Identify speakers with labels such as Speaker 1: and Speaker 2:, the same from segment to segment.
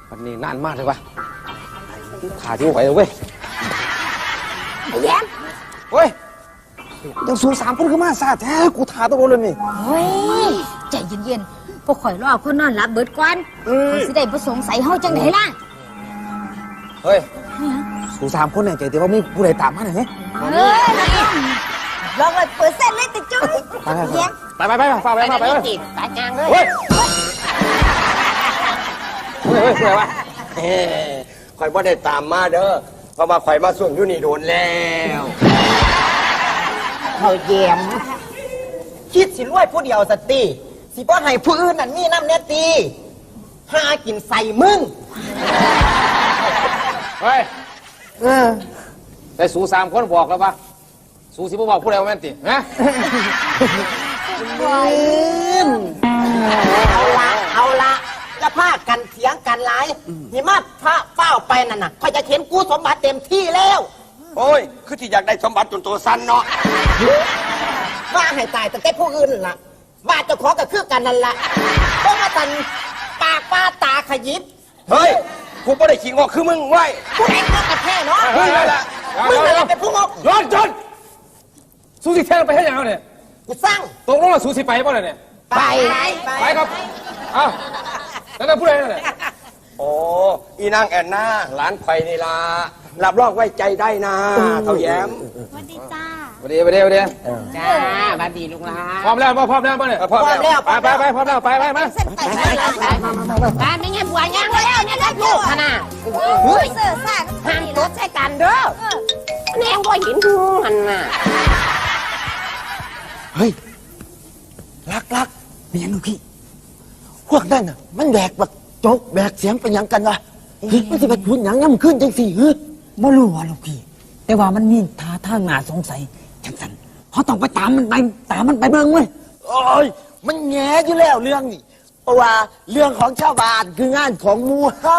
Speaker 1: วันนี้นานมากเลยวะขาที่ไหวเลยเว้ยไอ้แย้มเว้ยยังสู3 คนขึ้นมาซาแท้กูถ่าตัวเลยนี่
Speaker 2: เฮ้ยใจเย็นๆพวกข่อยรอคนนอนหลับเบิดก่อนเขาสิได้บ่สงสัยเฮาจังไดล่ะ
Speaker 1: เฮ้ยสู3 คนเนี่ยใจแต่ว่ามีผู้ใดตามมาหน่อยไหม
Speaker 2: ลอง100%เลยติจุ้ย
Speaker 1: ไปฝากไป
Speaker 3: ตายจางเลย
Speaker 1: เฮ้ยผู้ใดวะ
Speaker 4: ข่อยบ่ได้ตามมาเด้อเพราะว่าข่อยมาส่งอยู่นี่โดนแล้ว
Speaker 3: เขาเยี่ยมคิดสิรวยผู้เดียวสติสิบ่ให้ผู้อื่นนั่นมีน้ำเนตีหากินใส่มึง
Speaker 1: เฮ้ยแต่สู3 คนบอกแล้วปะสูสิบ่บอกผู้ใดว่าแม่นตินะ
Speaker 3: เอาละจะพากันเถียงกันหลายหิมะพระเป้าไปนั่นน่ะข่อยจะเข็นกู้สมบัติเต็มที่แล้ว
Speaker 4: โอ้ยคือที่อยากได้สมบัติจนตัวสั้นเนาะ
Speaker 3: ว่าให้ตายแต่แค่ผู้อื่นล่ะว่าเจ้าของก็คือกันนั่นละต้องมาตันปากป้าตาขยิบ
Speaker 4: เฮ้ยกูไม่ได้ขี้งอกคือมึงไว้
Speaker 3: กูเองงอกกันแท้เนาะมึงอะไรเป็นผู้งอก
Speaker 1: ย้อนจนสูสิแท้ไปให้ยังเนี่ย
Speaker 3: กูสร้าง
Speaker 1: ตกลงว่าสูสิไปป่ะเนี่ยไปครับเอ้าแล้วผู้ใดนั่นแหละ
Speaker 4: โอ้อีนางแอนนาหลานไข่นี่ล่ะรับรองไว้ใจได้นะเท่าแย้ม
Speaker 2: สวัสดีจ้า
Speaker 1: สวัสดี
Speaker 3: จ้าสวัสดีลุงลา
Speaker 1: พร้อมแล้วเนี่ย
Speaker 3: พร้อมแล้ว
Speaker 1: ไปพร้อมแล้วไปมา
Speaker 2: บ้านไม่เงี้ยบัวยังแล้วเนี่ยได้ลูกขนาดเฮ้ยเสือซ่า
Speaker 3: ห้ามรถใช้กันเด้อแนงบ่เห็นดูมันน่ะ
Speaker 4: เฮ้ยรักมีอย่างนึงพี่พวกนั่นน่ะมันแบกแบบโจกแบกเสียงเป็นยังกันวะมันจะไปพูดหยังย่ำขึ้นจังสี่
Speaker 5: บ่รู้ว่าลูกพี่แต่ว่ามันมีท่าทางน่าสงสัยจังสันเขาต้องไปตามมันไปเบิ่งเว้ย
Speaker 4: โอ้ยมันแง่อยู่แล้วเรื่องนี้เพราะว่าเรื่องของชาวบ้านคืองานของหมู่เฮา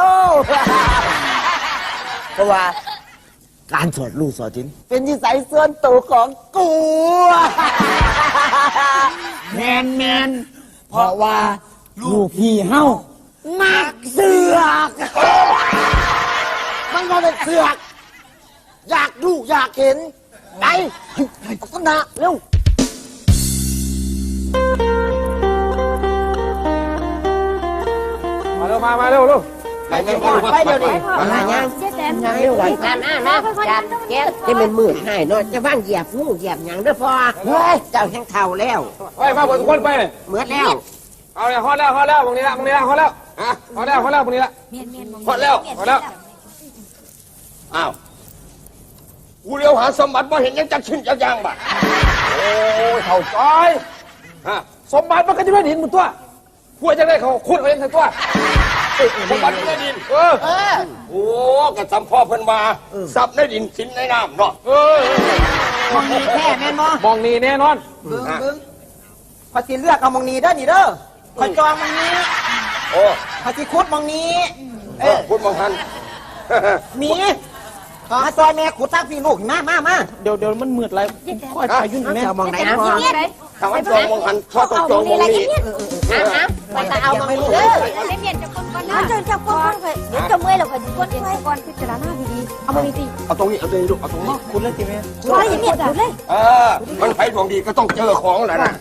Speaker 4: เพราะว่าการสวดลูกสวดจินเป็นนิสัยส่วนตัวของกู
Speaker 5: แมนเพราะว่าลูกพี่เฮามักเสือก
Speaker 4: มันก็เป็นเสือกอยากดูอยากเห็นไปต้นนาเร็ว
Speaker 1: มาเร็ว
Speaker 3: ไปเร็วดิมาย่างเร็ววันมาจัดแก๊สจะเป็นหมื่นให้เนาะจะว่างเหยียบงูเหยียบหยังเด้อพ่อเฮ้ยเจ้าแห้งเท่าแล้ว
Speaker 1: ไปมาหมดทุกคนไปเลย
Speaker 3: เหมือนแล้ว
Speaker 1: เอาเลยฮอดแล้วตรงนี้ละฮอดแล้วฮอดแล้วตรงนี้ละ
Speaker 4: ฮอดแล้วอ้าวกูเลี้ยวหาสมบัติมาเห็นยังจักชิ้นจักยางบ่
Speaker 1: โอ้ยเท่าจ้อยสมบัติมันก็จะไม่ดินหมดตัวพวกจะได้เขาขุดเอาเองทั้งตัว
Speaker 4: สมบัติในดินโอ้กับสัมพ่อเพิ่นมาซับในดินสินในน้ำเนาะ
Speaker 3: มองนี้แค่แม่นบ่
Speaker 1: มองนี้แน่นอน
Speaker 3: บึ้งพอสิเลือกเอามองนี้เด้อนี่เด้อคอยจองมองนี้
Speaker 4: โอ้
Speaker 3: พอสิคุดมองนี้
Speaker 4: คุดมองหัน
Speaker 3: มีมาซอยแม่ขุดตั้งพี่ลูกมา
Speaker 5: เดี๋ยวมันมืดไรค่อยไปยุ่งแม่
Speaker 3: มองไหนมอง
Speaker 4: ทางจองมองหันชอบต้องจองมองนี้
Speaker 2: ไปแต่เอามองนี้เด้อเล่นจะคนก่อนนะจะคนเดี๋ยวจะเมื่อยเราก็จะคนก่อนพิจารณาดีๆเอามองนี้สิ
Speaker 4: เอาตรงนี้ลูกเอาตรงนี้
Speaker 5: คุณเล่นจริงไหม
Speaker 2: ช่วยอย่างเงี้ยคุณเลย
Speaker 4: มันใครดวงดีก็ต้องเจอของแหละนะ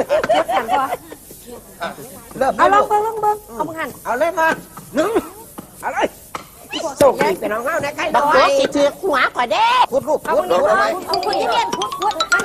Speaker 2: เอาลองเบิ้งเอามึงหัน
Speaker 3: เอาเลยมาเอาเลยส่งไปน้องเฮาได้ใครดอยสิถือหัวก่อนเด้ขุดลูก
Speaker 2: เอามึงเอาคุณที่เรียนขุดอะไร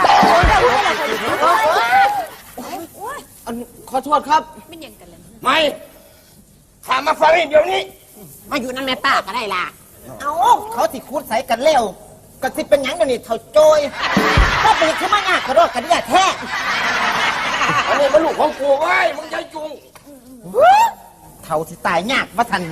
Speaker 4: ขอโทษครับ
Speaker 2: ไม่ยังกันเลย
Speaker 4: ไม่ถามมาฟังเดี๋ยวนี้
Speaker 3: มาอยู่นั่นแม่ป้าก็ได้ล่ะเอาเขาสิขุดใส่กันเร็วก็สิเป็นหยังเดี๋ยวนี้เท่าโจยก็ไปขึ้นมายากกระโดดกันเนี่ยแท้
Speaker 4: อันนี้มันลูกของกูไว้มึงใจจุง
Speaker 3: เท่าสิตายยากมาทัน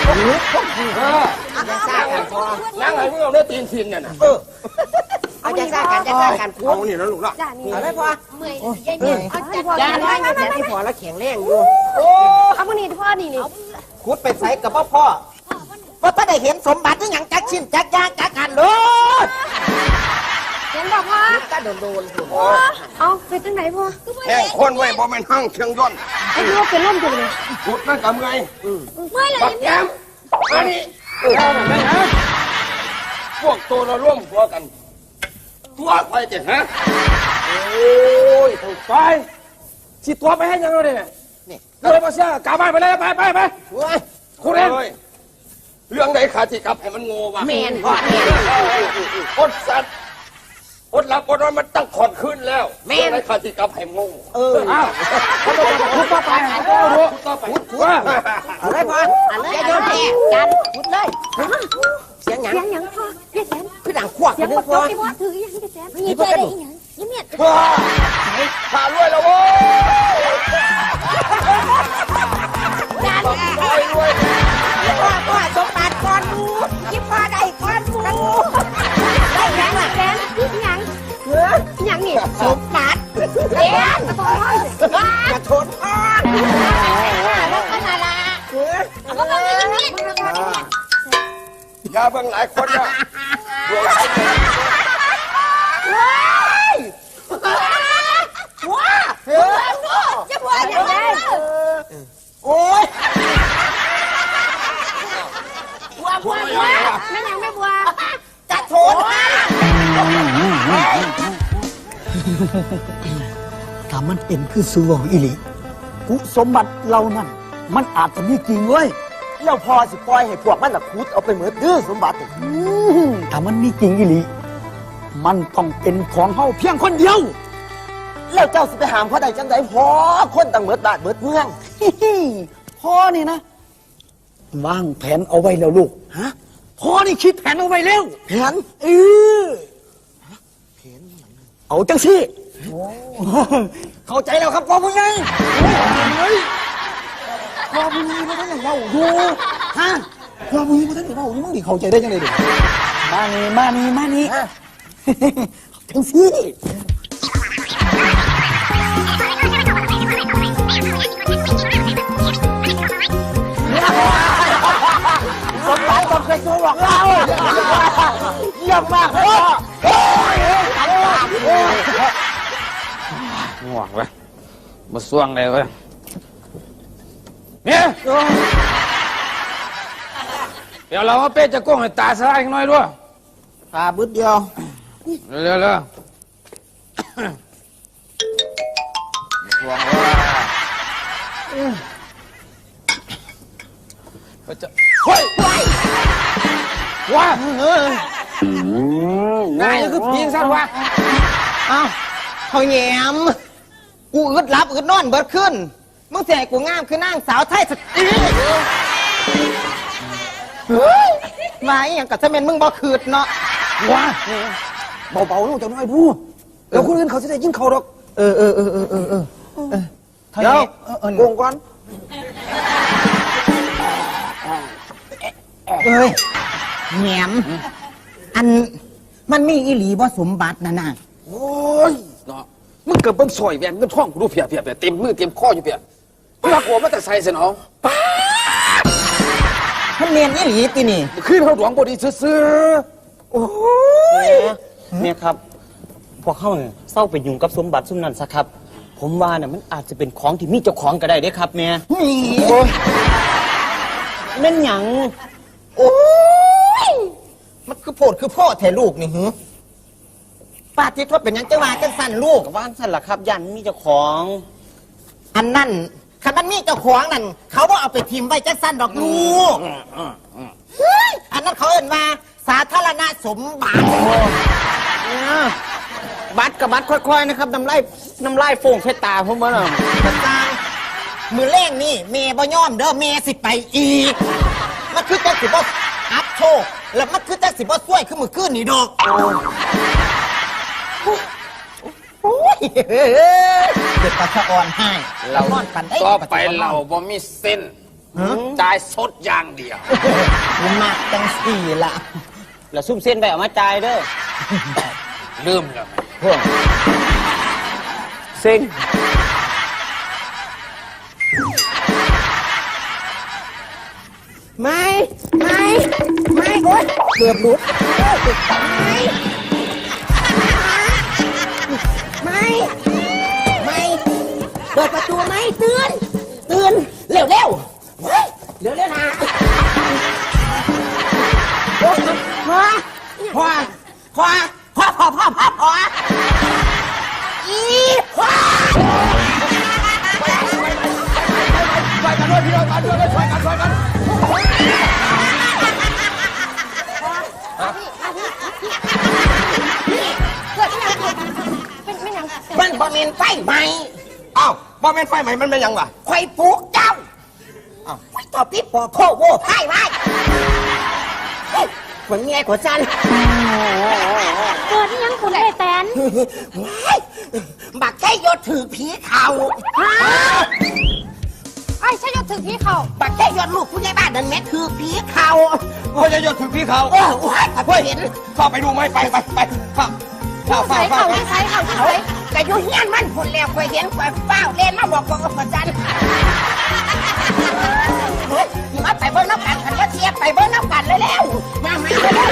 Speaker 4: จะสร้างกันพอนั่งไหนมึงเอาเนื้อตีนทินเนี่ยนะ
Speaker 3: เอาจะสร้างกันคุ้
Speaker 4: เอานี่แล้วลูกละ
Speaker 3: เอาได้พอ
Speaker 2: เมื่อยยายเมื่อยเอาจัด
Speaker 3: ยาน้อยแต่ที่พอแล้วแข็งแรงอยู่
Speaker 2: โอ้เอามานี่พ่อนี่
Speaker 3: ขุดไปใส่กับพ่อว่าถ้าได้เห็นสมบัติที่ยังจักชิ้นจักยางจักกันเลย
Speaker 2: เห็นบอกพ่อ
Speaker 3: ก็โดน
Speaker 2: เอาไปตั้งไหนพ่อ
Speaker 4: แห้งคนไว้บ่แม่นห้างเชียงย่น
Speaker 2: ไอ้ลูกเป็นร่มจังเลย
Speaker 4: ขุดนั่นกับไง
Speaker 2: ไม่เลย
Speaker 4: บักแย้ม
Speaker 6: มานี่พวกตัวเราร่วมหัวกันตัวใครจะฮะโอ้ยถูกไปสิตัวไปให้ยังไงเนี่ยนี่เลยมาเสียกลับบ้านไปเลยไปคุณเองเรื่องไหนขาดที่กลับให้มันโง่วะ
Speaker 3: แมนพ่อแมน
Speaker 6: อดสัตว์อดหลับอดนอนมันตั้งขอดขึ้นแล้วเรื่องไหนขาดที่กลับให้โง่อ้าวคุณต่อไปคุณต่อไปว่า
Speaker 3: อะไรพ่ออย่าโยนแพ้กันพุดเลยเสียงหยัง
Speaker 2: เสียงหยังพ่อเรียกแสน
Speaker 3: คือดังขวบ
Speaker 2: เสียง
Speaker 3: นึ
Speaker 2: บ
Speaker 3: ง
Speaker 2: ด
Speaker 3: พ่อ
Speaker 2: ไอ้พ่อถือยังแสนมีเจอได้อีหยังยิ้มเมียน
Speaker 6: ผ่ารวยแล้วโว้ย
Speaker 2: จาน
Speaker 6: รวย
Speaker 3: พ่อสมบัติก่อนมูยิ้มพ่อได้ก่อนมู
Speaker 2: ได้หยังล่ะแสนอีหยังหยังนี่
Speaker 3: สมบัติ
Speaker 2: แสนกระบอกน้อย
Speaker 3: กระโถนพ่อ
Speaker 2: แล้วก็นาลาเอาก็มายิ้มเมียน
Speaker 6: อย่าเบิ่งหลายคนนะรวย
Speaker 3: ว้า
Speaker 2: จะบัวอย่างไร
Speaker 3: โอ้ย
Speaker 2: บัวไม่หยังไม่บัว
Speaker 3: กระโถน
Speaker 5: ถ้ามันเป็นคือสูของอิลิกุสมบัติเรานั่นมันอาจจะมีจริงเว้ย
Speaker 4: แล้วพอสิปล่อยให้พวกมันน่ะขุดเอาไปเหมือนดื้อสมบัติ
Speaker 5: ถ้ามันมีจริงอิลิมันต้องเป็นของเฮาเพียงคนเดียว
Speaker 4: แล้วเจ้าสิไปหามเขาได้จังไดพอคนต่างเหมือนบ้านเหมือนเมือง
Speaker 5: พ่อนี่นะวางแผนเอาไว้แล้วลูกฮะพ่อนี่คิดแผนเอาไว้แล้ว
Speaker 4: แผน
Speaker 5: เออเอาจังสิเข้าใจแล้วครับพ่อผู้ใหญ่พ่อผู้ใหญ่มาท่านเล่าดูฮะพ่อผู้ใหญ่มาท่านเล่านี่มึงดิเข้าใจได้ยังไงดิมานี่จังสิ
Speaker 4: สมบัติต้องเป็นตัวของเราเยี่ยมมากพ่อ
Speaker 1: ง่วงเว้ยมาส่วงเลยเว้ยเนี่ยเดี๋ยวเรามาเป๊ะจะก้งให้ตาสลายหน่อยด้วย
Speaker 4: ตาบึดเดียว
Speaker 1: เร็วมาส่วงว่าจะเฮ้ยว้าง่ายคือพีงสั้นวะ
Speaker 3: อ้าวเขาแย้มกูอึดรับอึดนอนเบิดขึ้นมึงเสียกูงามคือนางสาวไทยสตรีมาอหย่างกับจะเป็นมึงบ่คืดเนาะ
Speaker 1: ว้าเบาๆลูกจะน้อยพูดแล้วคนอื่นเขาจะได้ยินเขาดอก
Speaker 3: เดี๋ยวโกงก่อนแหนมอันมันมีอีหลีบ่สมบัตินะน่ะ
Speaker 1: โอ้ยเนาะมึงเกิดเบิ่งซอยแหวนเงินท่องกูดูเพียเต็มมือเต็มข้ออยู่เพียเพื่อหัวมาแต่ใส่เสนอง
Speaker 3: มันเมียนอีหลีตีนี่
Speaker 1: ขึ้นเขาหลวงบดีซื้อ
Speaker 7: เนี่ยครับพวกเขาเนี่ยเศร้าไปยุ่งกับสมบัติซุ่มนั้นซะครับ ผมว่าเนี่ยมันอาจจะเป็นของที่มีเจ้าของก็ได้เด้ครับแม่
Speaker 3: นี่
Speaker 7: แม่นหยัง
Speaker 3: โอ้ยมันคือโพดคือพ่อแท้ลูกนี่หือป้าที่เขาเป็นหยังจะว่ากันสั่นลูก
Speaker 7: ว่านสั่นล่ะครับยันมีเจ้าของ
Speaker 3: อันนั้นคันมันมีเจ้าของนั่นเขาบ่เอาไปทิมไว้จังสั้นดอกลูกเฮ้ยอันนั้นเขาเอ่นว่าสาธารณสมบัติ
Speaker 7: บัตรกับบัตรค่อยๆนะครับน้ำลายโฟงใส่ตาผมว่าน่ะ
Speaker 3: กระซังมือเล่งนี่เมย์บ่ยอมเด้อเมย์สิไปอีกมันคือจังสิบ่อัพโชคแล้วมันคือจังสิบ่ช่วยคือมือขึ้นนี่ดอกโอ้ยเด็กปะสะอ่อนให้
Speaker 1: ๆเรา
Speaker 3: นอนปันได้
Speaker 1: ต่อไปเราบ่มีเส้นจ่ายสดอย่างเดียว
Speaker 3: มากจังสี่ละ
Speaker 7: แล้วซุ่มเส้นไปเอามาจ่ายเด้อ
Speaker 1: ลืมแล้ว
Speaker 7: เซ็ง
Speaker 3: ไม่โอ๊ยเกือบหลุดไม่เปิดประตูไหมตื่นเร็วเร็วนะพ่ออีพ่อ
Speaker 6: ช่วยกันด้วยพี่น้องกันด้วยช่วยกัน
Speaker 3: มันบ่แม่นไฟไหม
Speaker 6: อ้าวบ่แม่นไฟใหม่มันเป็นยังวะ
Speaker 3: คอยปลูกเจ้าไว้ต่อพี่ปอโคโว้ไพ่ไว้เหมือนเมียของฉัน
Speaker 2: เกิดที่ยังคุณไอ้แตน
Speaker 3: บักแค่ยศถือผีเขา
Speaker 2: ไอ้ใช่ยศถึงพี่เขา
Speaker 3: บักแค่ยศลูกผู้ใหญ่บ้านนั่นแม่ถือผีเขา
Speaker 6: โอ้ยหยดถึงพี่เขา
Speaker 3: โอ้ยถ้าเห็น
Speaker 6: เข้าไปดูไหมไปเข้า
Speaker 2: ใส่เขาใส่เขาใส่
Speaker 3: แต่อยู่เฮียนมันผลแล้วคอยเห็นคอยเฝ้าเล่นมาบอกกับฉันมาไปเบิ้งน้ำกันขันก็เทียบไปเบิ้งน้ำกันเลยแล้วมาเร็ว